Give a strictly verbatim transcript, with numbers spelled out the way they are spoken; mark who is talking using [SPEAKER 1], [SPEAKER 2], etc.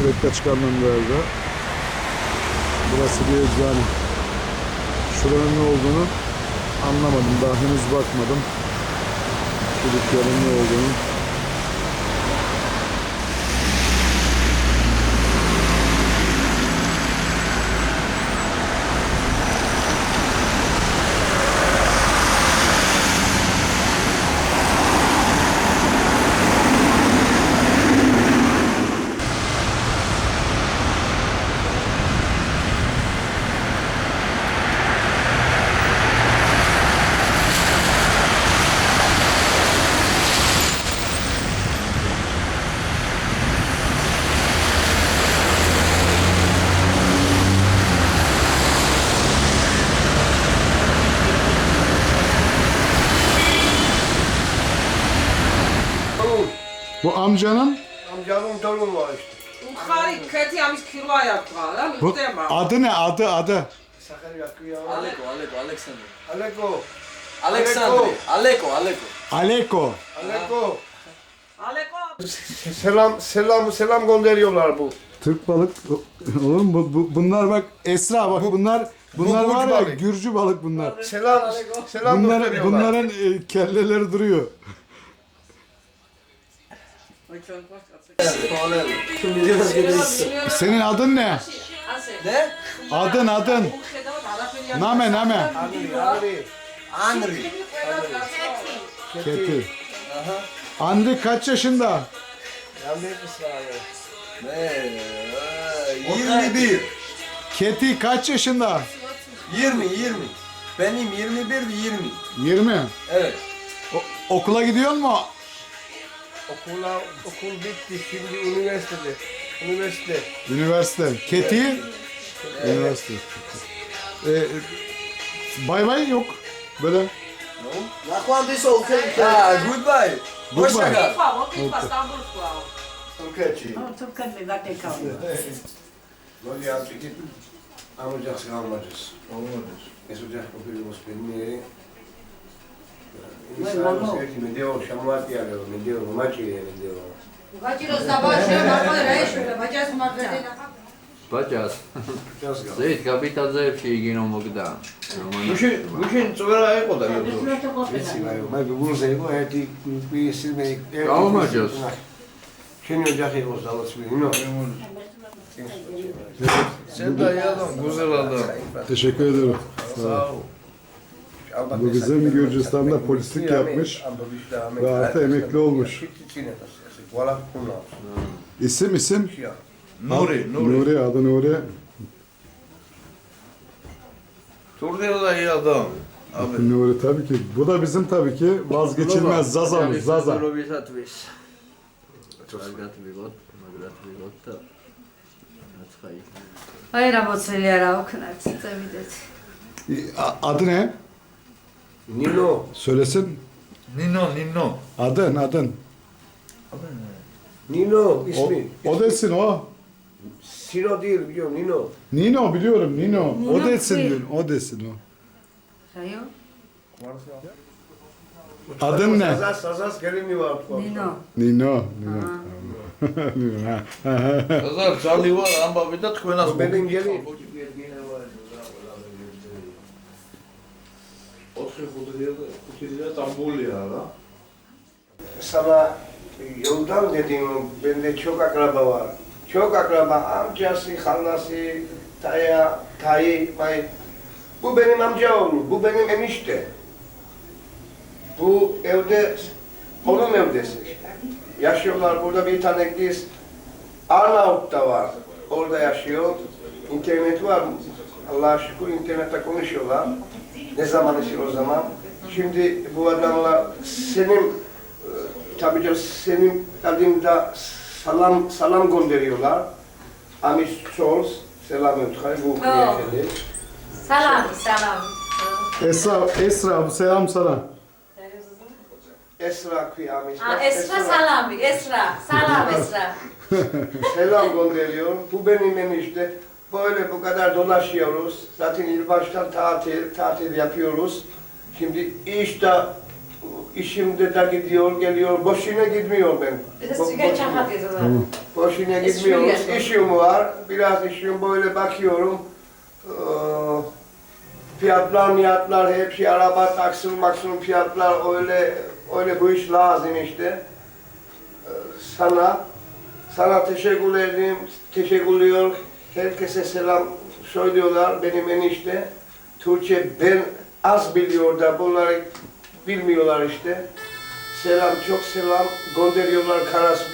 [SPEAKER 1] Sürekli çıkandan verdi. Burası bir eczane. Şuranın ne olduğunu anlamadım. Daha henüz bakmadım. Şu dükkanın ne olduğunu. Bu amcanın
[SPEAKER 2] Amcamın torunu var işte.
[SPEAKER 3] Ukhari keti amis kilo yaptılar.
[SPEAKER 1] bu, adı ne? Adı adı.
[SPEAKER 2] Sakar yakıyor.
[SPEAKER 4] Aleko, Aleko, Alexander.
[SPEAKER 2] Aleko.
[SPEAKER 4] Alexandre, Aleko, Aleko.
[SPEAKER 1] Aleko.
[SPEAKER 2] Aleko.
[SPEAKER 3] Aleko.
[SPEAKER 2] Selam selam selam gönderiyorlar bu.
[SPEAKER 1] Türk balık olur mu? Bu, bu- bunlar bak Esra bak bunlar bunlar
[SPEAKER 2] bu
[SPEAKER 1] var
[SPEAKER 2] Gürcü
[SPEAKER 1] ya
[SPEAKER 2] balık.
[SPEAKER 1] Gürcü balık bunlar.
[SPEAKER 2] Selam selam
[SPEAKER 1] Bunlar,
[SPEAKER 2] gönderiyorlar.
[SPEAKER 1] bunların e, kelleleri duruyor.
[SPEAKER 4] Şimdi biraz geliriz.
[SPEAKER 1] Senin adın ne?
[SPEAKER 4] Ne?
[SPEAKER 1] Adın adın. Name name.
[SPEAKER 2] Andri, Andri.
[SPEAKER 4] Andri.
[SPEAKER 1] Keti. Andri kaç yaşında?
[SPEAKER 2] Andri İsrail.
[SPEAKER 4] Ne? yirmi bir.
[SPEAKER 1] Keti kaç yaşında?
[SPEAKER 4] yirmi, yirmi. Benim yirmi bir ve yirmi.
[SPEAKER 1] yirmi.
[SPEAKER 4] Evet.
[SPEAKER 1] O- okula gidiyor mu?
[SPEAKER 2] Okula okul bitti şimdi üniversitede. Üniversite.
[SPEAKER 1] Üniversite. Keti? Üniversite. Ee, bay bay yok. Böyle.
[SPEAKER 4] Ha, goodbye. Hoşça
[SPEAKER 1] Goodbye.
[SPEAKER 4] kal.
[SPEAKER 2] Türkiye.
[SPEAKER 3] Türkan mi zaten kalıyor.
[SPEAKER 2] Noi altri che hanno già scambiato. E sono già capito spendere. Iniziamo a mi devo chiamare a loro, mi devo, ma ci mi devo.
[SPEAKER 5] Bacilo sabah şey bakma şöyle bacası markete
[SPEAKER 6] Pačās.
[SPEAKER 2] Già scambiato.
[SPEAKER 6] Zīt, kā bija tāds zēpšīgi no Mogdā.
[SPEAKER 2] Bugün bugün sonra eko da yok. Ma bunu sai come ti qui essere
[SPEAKER 6] Kalmacağız.
[SPEAKER 2] Şimdi ocak ekos alırsın. No.
[SPEAKER 4] Sen de iyi adam, güzel adam.
[SPEAKER 1] Teşekkür ederim. Sağ ol. Bu bizim Gürcistan'da polislik yapmış ve artı emekli olmuş. İsim isim?
[SPEAKER 4] Nuri, Nuri.
[SPEAKER 1] Nuri, adı Nuri.
[SPEAKER 4] Turdiye da iyi adam. Abi.
[SPEAKER 1] Nuri tabii ki. Bu da bizim tabii ki vazgeçilmez Zaza'mız, Zaza.
[SPEAKER 6] Robis atvis. Agrat bigot, magrat bigot da. Atxay.
[SPEAKER 5] Hayır ama söyleyerek okunak size videt.
[SPEAKER 1] A- Adı ne?
[SPEAKER 2] Nino.
[SPEAKER 1] Söylesin.
[SPEAKER 4] Nino, Nino.
[SPEAKER 1] Adın, adın.
[SPEAKER 2] Nino
[SPEAKER 1] O,
[SPEAKER 2] ismi.
[SPEAKER 1] o desin o.
[SPEAKER 2] Sino değil biliyorum Nino.
[SPEAKER 1] Nino biliyorum, Nino. O
[SPEAKER 5] Nino
[SPEAKER 1] desin,
[SPEAKER 5] değil.
[SPEAKER 1] o desin o.
[SPEAKER 5] Sayo?
[SPEAKER 1] Adın ne?
[SPEAKER 2] Sazas sazas gelin var.
[SPEAKER 5] Nino.
[SPEAKER 1] Nino. Nino. Nino, ha.
[SPEAKER 4] Kazar, Charlie var ama bir de tkvenas.
[SPEAKER 2] Bu benim gelin.
[SPEAKER 4] Otri Hudriye Tambulya da.
[SPEAKER 2] Sana yoldan dedim bende çok akraba var. Çok akraba amcası, halası, taya, tayı, may. Bu benim amcaoğlu, bu benim enişte. Bu evde, onun evdesi. Yaşıyorlar burada bir tane kız. Arnavut'ta var, orada yaşıyor. İnternet var, Allah'a şükür internette konuşuyorlar. Ne zaman için o zaman. Şimdi bu adamla senin, tabii ki senin adında salam salam gönderiyorlar. Amis Charles, selam ötürü bu niyetli.
[SPEAKER 5] Salam, salam.
[SPEAKER 1] Esra, Esra bu selam sana.
[SPEAKER 2] Esra kıyamet.
[SPEAKER 5] Ha, Esra salam, Esra. Salam Esra.
[SPEAKER 2] Selam gönderiyor. Bu benim enişte. Böyle bu kadar dolaşıyoruz. Zaten ilk baştan tatil, tatil yapıyoruz. Şimdi işte işimde de gidiyor, geliyor. Boşuna gitmiyor ben.
[SPEAKER 3] Das
[SPEAKER 2] Bo-
[SPEAKER 3] ist die
[SPEAKER 2] boşuna,
[SPEAKER 3] Getschaft, diese Sache.
[SPEAKER 2] boşuna
[SPEAKER 3] Es
[SPEAKER 2] gitmiyorum.
[SPEAKER 3] sürüyor.
[SPEAKER 2] İşim var. Biraz işim böyle bakıyorum. Ee, fiyatlar, miyatlar hepsi araba, taksın, maksın fiyatlar öyle öyle bu iş lazım işte. Ee, sana sana teşekkür ederim. Teşekkür ediyor. Herkese selam söylüyorlar benim enişte. Türkçe ben az biliyor da bunları bilmiyorlar işte. Selam, çok selam gönderiyorlar Karas